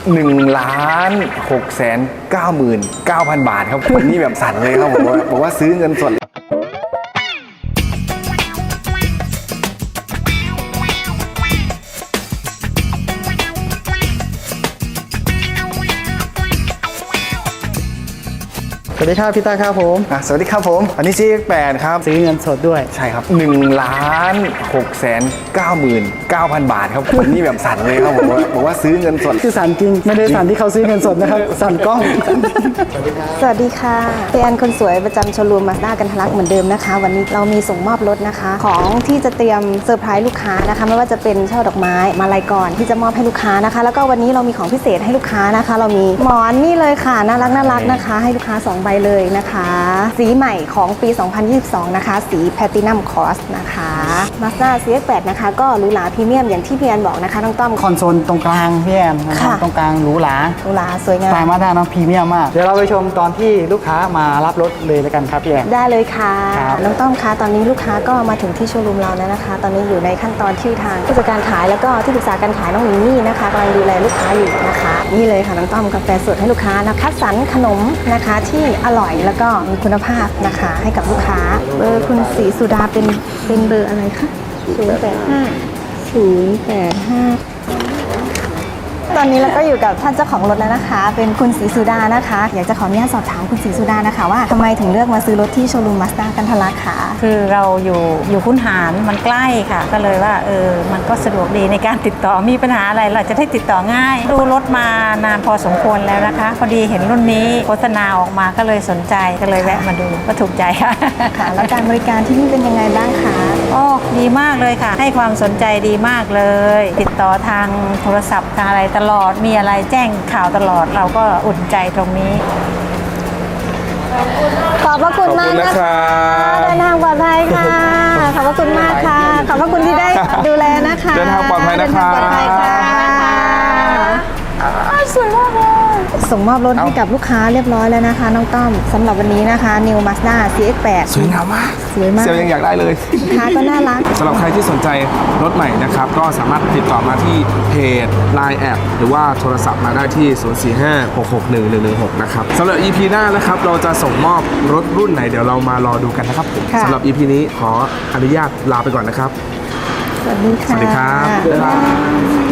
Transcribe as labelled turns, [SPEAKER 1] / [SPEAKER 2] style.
[SPEAKER 1] 1,699,000 บาทครับวันนี้แบบสั่นเลยครับบอกว่าซื้อเงินสด
[SPEAKER 2] สวัสดีครับพี่ตาครับผม
[SPEAKER 1] สวัสดีครับผมอันนี้ CX8 ครับ
[SPEAKER 2] ซื้อเงินสดด้วย
[SPEAKER 1] ใช่ครับ1,699,000 บาทครับวันนี้แบบสั่นเลยครับบอกว่าซื้อเงินสด
[SPEAKER 2] คือสั่นจริงไม่ได้สั่นที่เขาซื้อเงินสดนะครับสั่นกล้อง
[SPEAKER 3] สวัสดีค่ะเป็นอันคนสวยประจำโชว์รูมมาสด้ากันทะลักเหมือนเดิมนะคะวันนี้เรามีส่งมอบรถนะคะของที่จะเตรียมเซอร์ไพรส์ลูกค้านะคะไม่ว่าจะเป็นช่อดอกไม้มาลัยก่อนที่จะมอบให้ลูกค้านะคะแล้วก็วันนี้เรามีของพิเศษให้ลูกค้านะคะเรามีหมอนนี่เลยค่ะน่ารักนะคะให้ลูกค้า2ใบเลยนะคะสีใหม่ของปี 2022 นะคะสีแพลตินัมคอสนะคะ Mazda CX-8 นะคะก็หรูหราพรีเมียมอย่างที่พี่แอนบอกนะคะน้องต้อม
[SPEAKER 2] คอนโซลตรงกลางพี่แอนนะครับตรงกลางหรูหรา
[SPEAKER 3] สวยงาม
[SPEAKER 2] สายมาด้าน้องพรีเมียมมากเดี๋ยวเราไปชมตอนที่ลูกค้ามารับรถเลยแล้วกันครับพี่แอน
[SPEAKER 3] ได้เลยค่ะน้องต้อมคะตอนนี้ลูกค้าก็มาถึงที่โชว์รูมเราแล้วนะคะตอนนี้อยู่ในขั้นตอนที่ทางผู้จัดการขายแล้วก็ที่ปรึกษาการขายน้องมินี่นะคะกำลังดูแลลูกค้าอยู่นะคะนี่เลยค่ะน้องต้อมกาแฟสดให้ลูกค้านะคัดสรรขนมนะคะที่อร่อยแล้วก็มีคุณภาพนะคะให้กับลูกค้าเบอร์คุณศรีสุดาเป็นเบอร์อะไรคะ085ตอนนี้เราก็อยู่กับท่านเจ้าของรถแล้วนะคะ เป็นคุณศรีสุดานะคะอยากจะขออนุญาตสอบถามคุณศรีสุดานะคะว่าทำไมถึงเลือกมาซื้อรถที่โชว์รูมมาสด้ากันทะลักค่ะ
[SPEAKER 4] คือเราอยู่คุ้นหารมันใกล้ค่ะ ก็เลยว่ามันก็สะดวกดีในการติดต่อมีปัญหาอะไรเราจะได้ติดต่อง่ายดูรถมานานพอสมควรแล้วนะคะพอดีเห็นรุ่นนี้โฆษณาออกมาก็เลยสนใจก็เลยแวะมาดูก็ถูกใจค่ะ
[SPEAKER 3] ค่ะแล้วการบริการที่นี่เป็นยังไงบ้างคะ
[SPEAKER 4] ดีมากเลยค่ะให้ความสนใจดีมากเลยติดต่อทางโทรศัพท์ทางอะไรตลอดมีอะไรแจ้งข่าวตลอดเราก็อุ่นใจตรงนี้
[SPEAKER 3] ขอบพระคุณมากนะคะเดินทางปลอดภัยค่ะขอบพระคุณมากค่ะขอบพระคุณที่ได้ดูแลนะคะ
[SPEAKER 1] เดินทางปลอดภัยนะคะ
[SPEAKER 3] สวยมากเลยส่งมอบรถให้กับลูกค้าเรียบร้อยแล้วนะคะน้องต้อมสำหรับวันนี้นะคะ New Mazda CX-8
[SPEAKER 1] สวยงามมาก
[SPEAKER 3] สวยมาก
[SPEAKER 1] เซลล์ยังอยากได้เลย
[SPEAKER 3] ลูกค้าก็น่ารัก
[SPEAKER 1] สำหรับใครที่สนใจรถใหม่นะครับก็สามารถติดต่อมาที่เพจ Line แอดหรือว่าโทรศัพท์มาได้ที่045-661-116นะครับสำหรับ EP หน้านะครับเราจะส่งมอบรถรุ่นไหนเดี๋ยวเรามารอดูกันนะครับสำหรับ EP นี้ขออนุญาตลาไปก่อนนะครับ
[SPEAKER 3] สวัสดีค่ะ
[SPEAKER 1] สวัสดีครับ